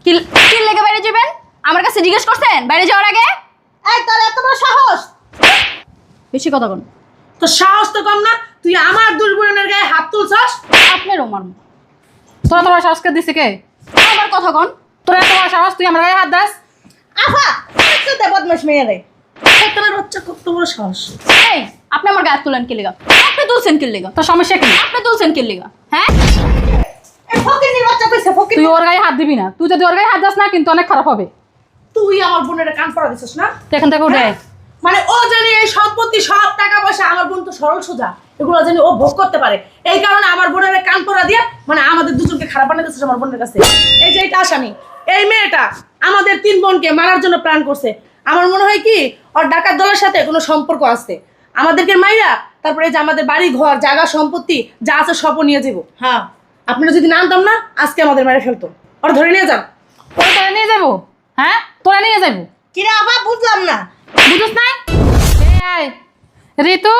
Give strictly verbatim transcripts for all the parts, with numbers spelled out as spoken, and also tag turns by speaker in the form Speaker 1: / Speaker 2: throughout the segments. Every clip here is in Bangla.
Speaker 1: কি কি লেগে বাইরে যাবেন? আমার কাছে জিজ্ঞেস করছেন বাইরে যাওয়ার আগে?
Speaker 2: এই তোর এত বড় সাহস!
Speaker 1: বেশি কথা বল।
Speaker 2: তো সাহস তো কম না, তুই আমার দুই বোনের গায়ে হাত তুলছস।
Speaker 1: আপনারও মারমু।
Speaker 3: তোরা তোমার সাহসকে দিছে কে?
Speaker 1: আমার কথা কন।
Speaker 3: তোরা এত বড় সাহস, তুই আমার গায়ে হাত দাস?
Speaker 2: আফা তুই দে বদমাশ মেয়ে রে। তোর বাচ্চা কত বড় সাহস!
Speaker 1: এই আপনি আমার গায়ে তুলেন কি লেগা? আপনি তুলছেন কি লেগা?
Speaker 3: তোর সমস্যা কি?
Speaker 1: আপনি তুলছেন কি লেগা? হ্যাঁ?
Speaker 2: এই ফকিন্নির বাচ্চা কইছে ফকির।
Speaker 3: তুই ওর গায়ে হাত দিবি না। তুই যদি ওর গায়ে হাত দাস না কিন্তু অনেক খারাপ হবে।
Speaker 2: তুই আমার বোনের কান পড়া দিছস না?
Speaker 3: তুই এখান থেকে উঠে আয়।
Speaker 2: মানে ও জানি এই সম্পত্তি সব টাকা পয়সা আমার বোন তো সরল সোজা, এগুলো জানি ও ভোগ করতে পারে। এই কারণে আমার বোনের কান পড়া দিয়ে মানে আমাদের দুজনকে খারাপ বানিয়ে দিচ্ছে আমার বোনের কাছে। এই যে এটা আসামি, এই মেয়েটা আমাদের তিন বোনকে মারার জন্য প্ল্যান করছে। আমার মনে হয় কি ওর ডাকাত দলের সাথে কোনো সম্পর্ক আছে। আমাদেরকে মাইরা তারপরে এই যে আমাদের বাড়ি ঘর জায়গা সম্পত্তি যা আছে সবও নিয়ে যাবো। হ্যাঁ, আপনারা যদি না আনতাম না আজকে আমাদের মেরে ফেলতো। ওর ধরে নিয়ে যান।
Speaker 3: তোরা তোরা নিয়ে যাবো? হ্যাঁ, তোরা নিয়ে যাবো?
Speaker 2: কিরে আবার বুঝলাম না।
Speaker 3: বুঝছ নাই? এই আয় ঋতু,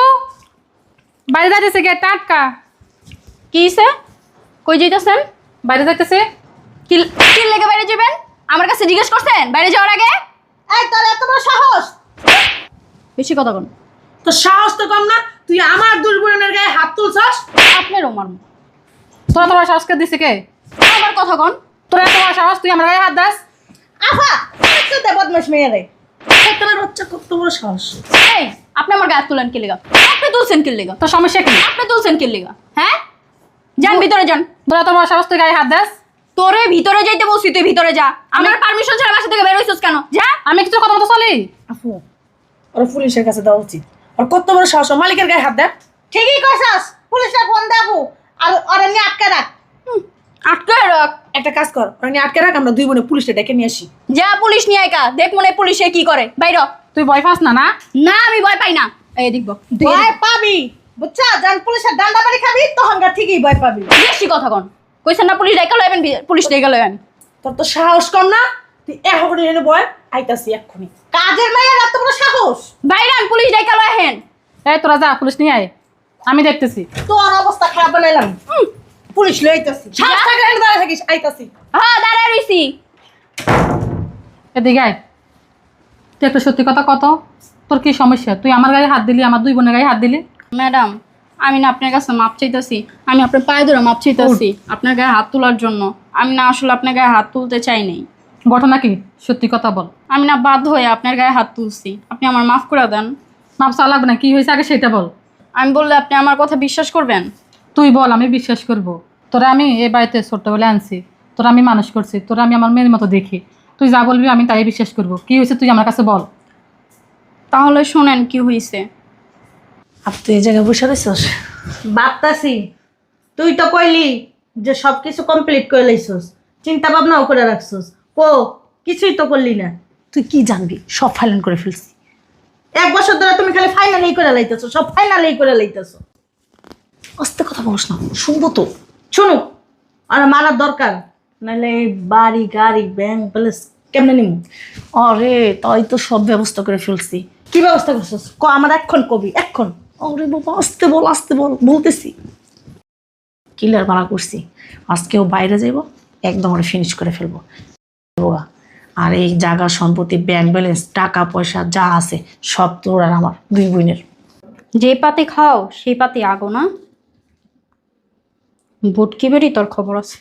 Speaker 3: বাইরে যাইতেছে গেট টাটকা।
Speaker 1: কি হইছে? কই যাইতাছেন?
Speaker 3: বাইরে যাইতেছে।
Speaker 1: কি কি লেগে বাইরে যাবেন? আমার কাছে জিজ্ঞেস করছেন বাইরে যাওয়ার আগে?
Speaker 2: এই তোর এত বড় সাহস!
Speaker 1: বেশি কথা কন।
Speaker 2: তো সাহস তো কম না, তুই আমার দুই বোনের গায়ে হাত তুলছস।
Speaker 1: আপনারও মারমু।
Speaker 3: তোরা তোমার সাহসকে দিছে কে?
Speaker 1: আমার কথা কন।
Speaker 3: তোরা এত বড় সাহস, তুই আমার গায়ে হাত দাস?
Speaker 2: আফা তুই দে বদমাশ মেয়ে রে। তোর বাচ্চা কত বড় সাহস!
Speaker 1: এই আপনি আমার গায়ে তুলেন কি লেগা? আপনি তুলছেন কি লেগা?
Speaker 3: তোর সমস্যা কি?
Speaker 1: আপনি তুলছেন কি লেগা? হ্যাঁ? যান ভিতরে যান।
Speaker 3: তোরা তোমার সাহস, তুই গায়ে হাত দাস?
Speaker 1: তোরে ভিতরে যাইতে বলছি, তুই ভিতরে যা। আমার পারমিশন ছাড়া বাসা থেকে বের হইছস কেন? যা।
Speaker 3: আমি কিছু কথা মতো চলি?
Speaker 2: আপু ওর পুলিশের কাছে দেওয়া উচিত। ওর কত বড় সাহস, ওর মালিকের গায়ে হাত দেয়। ঠিকই কইছস, পুলিশে ফোন দে আপু। আর ওরে নিয়ে আটকে রাখ।
Speaker 1: হুম, আটকে রাখ।
Speaker 2: একটা কাজ কর, ওরে নিয়ে আটকে রাখ, আমরা দুই বোনে পুলিশে ডেকে নিয়ে আসি।
Speaker 1: যা পুলিশ নিয়ে আইকা, দেখ মনে হয় পুলিশে কি করে। বাইর হ।
Speaker 3: তুই ভয় পাস না? না
Speaker 1: না আমি ভয় পাই না। এই দেখব।
Speaker 2: ভয় পাবি বুঝছা, যখন পুলিশের ডান্ডা বাড়ি খাবি তখন গা ঠিকই ভয় পাবি।
Speaker 1: বেশি কথা কন। কইছেন না পুলিশ ডাইকা লইবেন, পুলিশ ডাইকা লইবেন।
Speaker 2: তোর তো সাহস কম না, তুই এখন এনে বয় আইতাছি এক্ষুনি। কাজের মেয়ের এত বড় সাহস!
Speaker 1: বাইরান পুলিশ ডাইকা লইহেন।
Speaker 3: এই তোরা যা, পুলিশ নিয়ে আয়, আমি দেখতেছি।
Speaker 2: তোর অবস্থা খারাপ বানাইলাম। হুম, পুলিশ লই আইতাছি। সাহস থাকলে এনে দাঁড়ায় থাকিস, আইতাছি।
Speaker 1: হ্যাঁ দাঁড়ায় রইছি।
Speaker 3: এদিকে আয়। তুই একটা সত্যি কথা কত, তোর কি সমস্যা? তুই আমার গায়ে হাত দিলি, আমার দুই বোনের গায়ে হাত দিলি।
Speaker 1: ম্যাডাম আমি না আপনার কাছে মাপ চাইতেছি। আমি আপনার পায়ে ধরে মাপ চাইতেছি আপনার গায়ে হাত তোলার জন্য। আমি না আসলে আপনার গায়ে হাত তুলতে চাই নাই।
Speaker 3: ঘটনা কি? সত্যি কথা বল।
Speaker 1: আমি না বাধ্য হয়ে আপনার গায়ে হাত তুলছি। আপনি আমার মাফ করে দেন।
Speaker 3: মাপ চা লাগবে না, কি হয়েছে আগে সেটা বল।
Speaker 1: আমি বললে আপনি আমার কথা বিশ্বাস করবেন?
Speaker 3: তুই বল, আমি বিশ্বাস করব। তোরা আমি এই বাড়িতে ছোট্টবেলা আনছি, তোরা আমি মানুষ করছি, তোরা আমি আমার মেয়ের মতো দেখি। তুই যা বলবি আমি তাই বিশ্বাস করব। কি হয়েছে তুই আমার কাছে বল।
Speaker 1: তাহলে শোনেন কি হয়েছে।
Speaker 2: আপ তুই এই জায়গায় বসে রইছস? ভাবতাছি তুই তো কইলি যে সব কিছু কমপ্লিট করে লাইছস, চিন্তা ভাবনাও করে রাখছস। ও কিছুই তো করলি না। তুই কি জানবি? সব ফাইনাল করে ফেলছি। এক বছর ধরে তুমি খালি ফাইনালেই করে লাইতেছো, সব ফাইনালেই করে লাইতেছো। আস্তে কথা বলছ না, শুনবো তো। শুনো, আর মারার দরকার নাহলে এই বাড়ি গাড়ি ব্যাংক প্যালেস কেমনে নিমু? আরে তাই তো সব ব্যবস্থা করে ফেলছি। কি ব্যবস্থা করছিস ক, আমার এক্ষণ কবি এক্ষণ। আরে বাবা আস্তে বল আস্তে বল, বলতেছি। কিলার ভাড়া করছি, আজকেও বাইরে যাইব, একদম ওরা ফিনিশ করে ফেলবো। আর এই জায়গা সম্পত্তি ব্যাংক ব্যালেন্স টাকা পয়সা যা আছে সব তোর আর আমার দুই বোনের।
Speaker 1: যে পাতে খাও সেই পাতে আগো না। বুটকি বেরি তোর খবর আছে।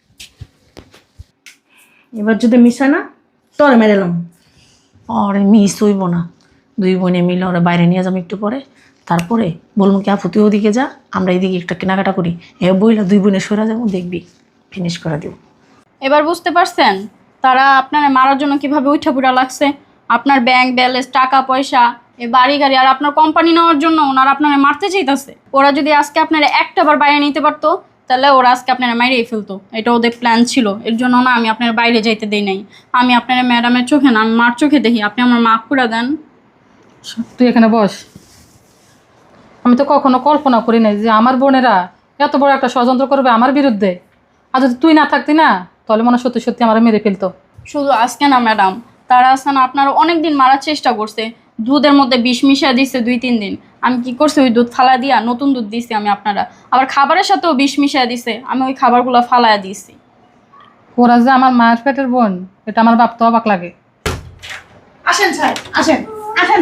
Speaker 2: এবার যদি মিস হয় না তোর মেরেলাম। আরে মিস হইব না, দুই বোনে মিলে ওরা বাইরে নিয়ে যাবো একটু পরে। তারপরে বলবো কি আপু তুই ওদিকে যা, আমরা এইদিকে একটা কেনাকাটা করি। এ বইলা দুই বোনে সরে যাবো, দেখবি ফিনিশ করে দেবো।
Speaker 1: এবার বুঝতে পারছেন তারা আপনার মারার জন্য কিভাবে উঠা পুরা লাগছে। আপনার ব্যাংক ব্যালেন্স টাকা পয়সা এই বাড়ি গাড়ি আর আপনার কোম্পানি নেওয়ার জন্য ওনারা আপনার মারতে চাইতেছে। ওরা যদি আজকে আপনার একটা বার বাইরে নিতে পারতো তাহলে ওরা আজকে আপনার মাইরেই ফেলতো। এটা ওদের প্ল্যান ছিল, এর জন্য না আমি আপনার বাইরে যাইতে দেই নাই। আমি আপনার ম্যাডামের চোখে না, আমি মার চোখে দেখি। আপনি আমার মাফ করে দেন।
Speaker 3: তুই এখানে বস। আমি তো কখনো কল্পনা করি নাই যে আমার বোনেরা এত বড় একটা ষড়যন্ত্র করবে আমার বিরুদ্ধে। আর যদি তুই না থাকতি না তাহলে মনে সত্যি সত্যি আমার মেরে ফেলতো।
Speaker 1: শুধু আজকে না ম্যাডাম, তারা আছে না আপনারা অনেক দিন মারার চেষ্টা করছে। দুধের মধ্যে বিষ মিশিয়ে দিচ্ছে দুই তিন দিন। আমি কি করছি, ওই দুধ ফালা দিয়া নতুন দুধ দিছি আমি আপনারা। আবার খাবারের সাথেও বিষ মিশিয়ে দিছে, আমি ওই খাবারগুলো ফালাইয়া দিয়েছি।
Speaker 3: ওরা যে আমার মায়ের পেটের বোন এটা আমার ভাবতে অবাক লাগে।
Speaker 2: আসেন স্যার, আসেন আসেন।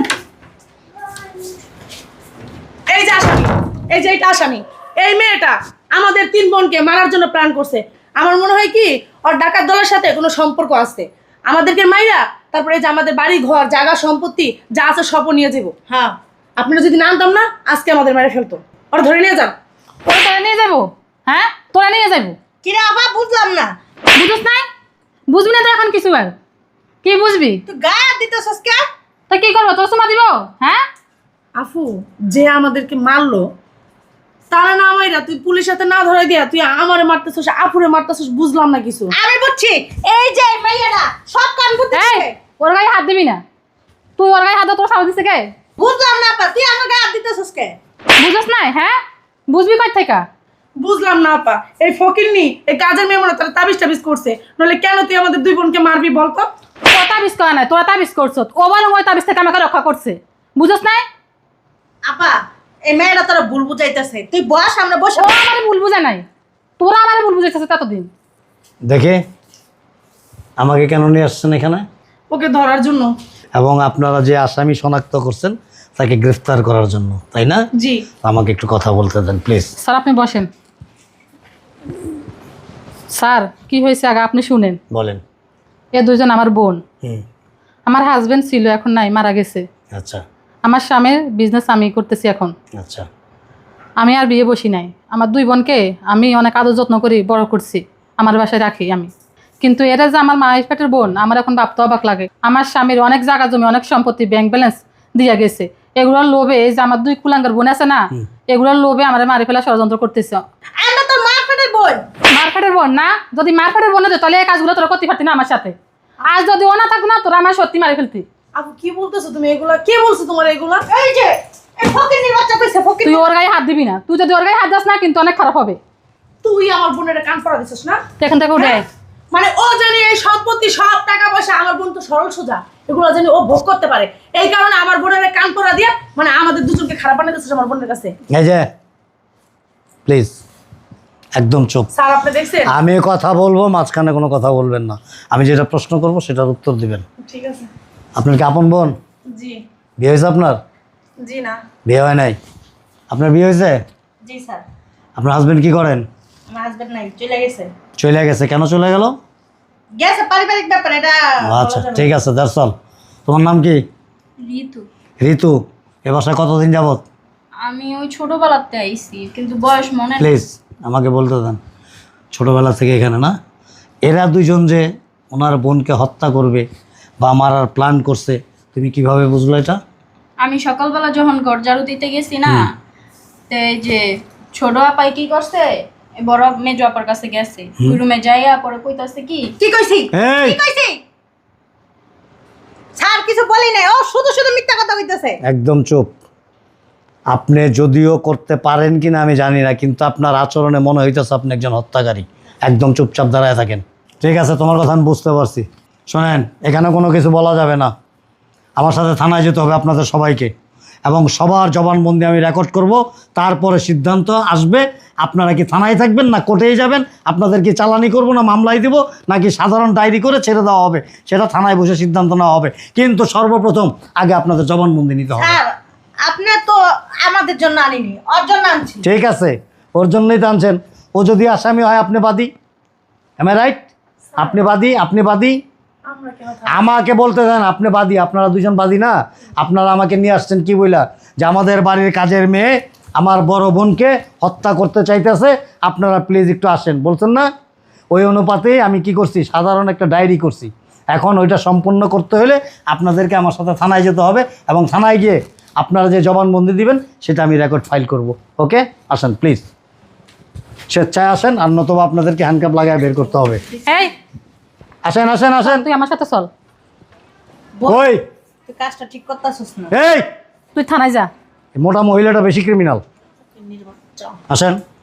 Speaker 2: এই যে আসামি, এই যে এটা আসামি। এই মেয়েটা আমাদের তিন বোনকে মারার জন্য প্ল্যান করছে। আমার মনে হয় কি ওর ডাকাত দলের সাথে কোনো সম্পর্ক আছে। আমাদেরকে মাইরা তারপরে এই যে আমাদের বাড়ি ঘর জায়গা সম্পত্তি যা আছে সব নিয়ে যাবো। হ্যাঁ, আপনারা যদি না আনতাম না আজকে আমাদের মেরে ফেলতো। ওরা ধরে নিয়ে যান।
Speaker 3: ওরা তোরা নিয়ে যাবো? হ্যাঁ, তোরা নিয়ে যাবো?
Speaker 2: কিরে আবার বুঝলাম না।
Speaker 3: বুঝিস নাই? বুঝবি না তো এখন কিছু আর কি বুঝবি?
Speaker 2: তুই গায়ে দিতেছস কে?
Speaker 3: তা কি করবো, তোর সময় দিব? হ্যাঁ,
Speaker 2: আফু যে আমাদেরকে মারলো তারা না মাইরা তুই পুলিশ হাতে না ধরে দিয়া তুই আমারে মারতেছস, আফুরে মারতেছস, বুঝলাম না কিছু। আমি বুঝছি এই যে মেয়েরা সব কান
Speaker 3: এই
Speaker 2: বুঝতেছে।
Speaker 3: ওর গায়ে হাত দিবি না। তুই ওর গায়ে হাত দাও, তোর সাহস দিছে কে?
Speaker 2: বুঝলাম না আপা, তুই আমার গায়ে হাত দিতেছস কে?
Speaker 3: বুঝছ নাই? হ্যাঁ, বুঝবি কই থেকে?
Speaker 2: বুঝলাম না আপা, এই ফকিরনি এই কাজের মেয়ে মনে তারা তাবিজ টাবিজ করছে, নইলে কেন তুই আমাদের দুই বোনকে মারবি বলতো?
Speaker 3: তোরা তাবিজ করা নাই, তোরা তাবিজ করছো। ও বরং ওই তাবিজ থেকে আমাকে রক্ষা করছে। বুঝছ নাই?
Speaker 2: আপা এই মেয়েরা তোরা ভুল বুঝাইতেছে, তুই বস আমরা বসে।
Speaker 3: ও আমারে ভুল বুঝায় নাই, তোরা আমারে ভুল বুঝাইতেছে ততদিন।
Speaker 4: দেখে আমাকে কেন নিয়ে আসছেন এখানে?
Speaker 2: ওকে ধরার জন্য।
Speaker 4: এবং আপনারা যে আসামি শনাক্ত করছেন তাকে গ্রেফতার করার জন্য, তাই না?
Speaker 2: জি।
Speaker 4: আমাকে একটু কথা বলতে দেন প্লিজ।
Speaker 3: স্যার আপনি বসেন। স্যার কি হয়েছে আগে আপনি শুনেন।
Speaker 4: বলেন।
Speaker 3: এ দুজন আমার বোন।
Speaker 4: হুম।
Speaker 3: আমার হাজবেন্ড ছিল, এখন নাই, মারা গেছে।
Speaker 4: আচ্ছা
Speaker 3: আমার স্বামীর বিজনেস আমি করতেছি এখন।
Speaker 4: আচ্ছা।
Speaker 3: আমি আর বিয়ে বসি নাই। আমার দুই বোনকে আমি অনেক আদর যত্ন করি বড় করছি, আমার বাসায় রাখি আমি। কিন্তু এরা যে আমার মায়ের পেটের বোন, আমার এখন ভাবতে অবাক লাগে। আমার স্বামীর অনেক জায়গা জমি, অনেক সম্পত্তি, ব্যাংক ব্যালেন্স দিয়ে গেছে। এগুলোর লোভে এই যে আমার দুই কুলাঙ্গার বোন আছে না, এগুলোর লোভে আমার মারি ফেলা ষড়যন্ত্র করতেছে।
Speaker 2: আমরা তো মার পেটের বোন।
Speaker 3: মার্কেটের বোন না? যদি মার্কেটের বোন হতো তাহলে এই কাজগুলো তোরা করতে পারতি না আমার সাথে। আজ যদি ও না থাকতো না, তোরা আমার সত্যি মারি ফেলতি।
Speaker 2: আপু কি বলতেছো তুমি এগুলা? কে বলছো তোমার এগুলা? এই যে এই ফকিরনির বাচ্চা কইছে ফকির।
Speaker 3: তুই ওর গায়ে হাত দিবি না। তুই যদি ওর গায়ে হাত দাস না কিন্তু অনেক খারাপ হবে।
Speaker 2: তুই আমার বোনের কান পড়া দিছিস না?
Speaker 3: তুই এখান থেকে উঠে আয়।
Speaker 2: মানে ও জানি এই সম্পত্তি সব টাকা পয়সা, আমার বোন তো সরল সোজা, এগুলো জানি ও ভোগ করতে পারে। এই কারণে আমার বোনের কান পড়া দিয়া মানে আমাদের দুজনকে খারাপ বানিয়ে দিছিস আমার বোনের কাছে।
Speaker 4: এই যে প্লিজ একদম চুপ।
Speaker 2: স্যার আপনি দেখছেন?
Speaker 4: আমি কথা বলবো, মাঝখানে কোনো কথা বলবেন না। আমি যেটা প্রশ্ন করব সেটার উত্তর দিবেন।
Speaker 2: ঠিক আছে।
Speaker 4: আপনার কি আপন বোন?
Speaker 2: জি।
Speaker 4: বিয়ে হয়েছে আপনার?
Speaker 2: জি না।
Speaker 4: বিয়ে হয় নাই? আপনার বিয়ে হয়েছে?
Speaker 2: জি স্যার।
Speaker 4: আপনার হাজবেন্ড কি করেন?
Speaker 2: আমার হাজবেন্ড নাই, চলে গেছে।
Speaker 4: চলে গেছে? কেন চলে গেল?
Speaker 2: গেছে পারিবারিক ব্যাপার এটা।
Speaker 4: আচ্ছা ঠিক আছে, দ্যাটস অল। তোমার নাম কি?
Speaker 1: ঋতু।
Speaker 4: ঋতু। এ বাসায় কতদিন যাবত?
Speaker 1: আমি ওই ছোটবেলাতে আইছি, কিন্তু বয়স মনে নেই।
Speaker 4: প্লিজ আমাকে বলতে দেন। ছোটোবেলা থেকে এখানে না? এরা দুজন যে ওনার বোনকে হত্যা করবে বা মারার প্ল্যান করছে, তুমি কিভাবে বুঝলো এটা?
Speaker 1: আমি সকালবেলা যখন ঘর ঝাড়ু দিতে গেছি না, তো এই যে ছোট আপাই কি করছে, এই বড় মেজো আপার কাছে গেছে। ওই রুমে যাইয়া পরে কইতাছে কি
Speaker 2: কি কইছি?
Speaker 4: এই
Speaker 2: কি কইছি? স্যার কিছু বলি নাই, ও শুধু শুধু মিথ্যা কথা কইতেছে।
Speaker 4: একদম চুপ। আপনি যদিও করতে পারেন কিনা আমি জানি না, কিন্তু আপনার আচরণে মনে হইতেছে আপনি একজন হত্যাকারী। একদম চুপচাপ দাঁড়ায় থাকেন। ঠিক আছে, তোমার কথা আমি বুঝতে পারছি। শোনেন, এখানে কোনো কিছু বলা যাবে না। আমার সাথে থানায় যেতে হবে আপনাদের সবাইকে, এবং সবার জবানবন্দি আমি রেকর্ড করব। তারপরে সিদ্ধান্ত আসবে আপনারা কি থানায় থাকবেন না কোর্টেই যাবেন, আপনাদের কি চালানি করব না মামলায় দিব, নাকি সাধারণ ডায়েরি করে ছেড়ে দেওয়া হবে, সেটা থানায় বসে সিদ্ধান্ত নেওয়া হবে। কিন্তু সর্বপ্রথম আগে আপনাদের জবানবন্দি নিতে হবে।
Speaker 2: স্যার আপনি তো আমাদের জন্য আনিনি, ওর জন্য আনছি।
Speaker 4: ঠিক আছে, ওর জন্যই তো আনছেন। ও যদি আসামি হয় আপনি বাদী। Am I right? আপনি বাদী, আপনি বাদী।
Speaker 2: আমরা কেন?
Speaker 4: আমাকে বলতে দেন, আপনি বাদী। আপনারা দুজন বাদী না? আপনারা আমাকে নিয়ে আসছেন কি বইলা, যে আমাদের বাড়ির কাজের মেয়ে আমার বড় বোনকে হত্যা করতে চাইতেছে, আপনারা প্লিজ একটু আসেন বলছেন না? ওই অনুপাতে আমি কি করছি, সাধারণ একটা ডায়েরি করছি। এখন ওইটা সম্পূর্ণ করতে হলে আপনাদেরকে আমার সাথে থানায় যেতে হবে, এবং থানায় গিয়ে আপনারা যে জবানবন্দি দিবেন সেটা আমি রেকর্ড ফাইল করব। ওকে, আসেন প্লিজ, স্বেচ্ছায় আসেন, আর নতুবা আপনাদেরকে হ্যান্ডকাপ লাগায় বের করতে হবে।
Speaker 3: এই
Speaker 4: আসেন আসেন আসেন।
Speaker 3: তুই আমার সাথে চল।
Speaker 4: ওই
Speaker 2: তুই কাজটা ঠিক করতেছিস না।
Speaker 4: এই
Speaker 3: তুই থানায় যা।
Speaker 4: মোটা মহিলাটা বেশি ক্রিমিনাল। আসেন।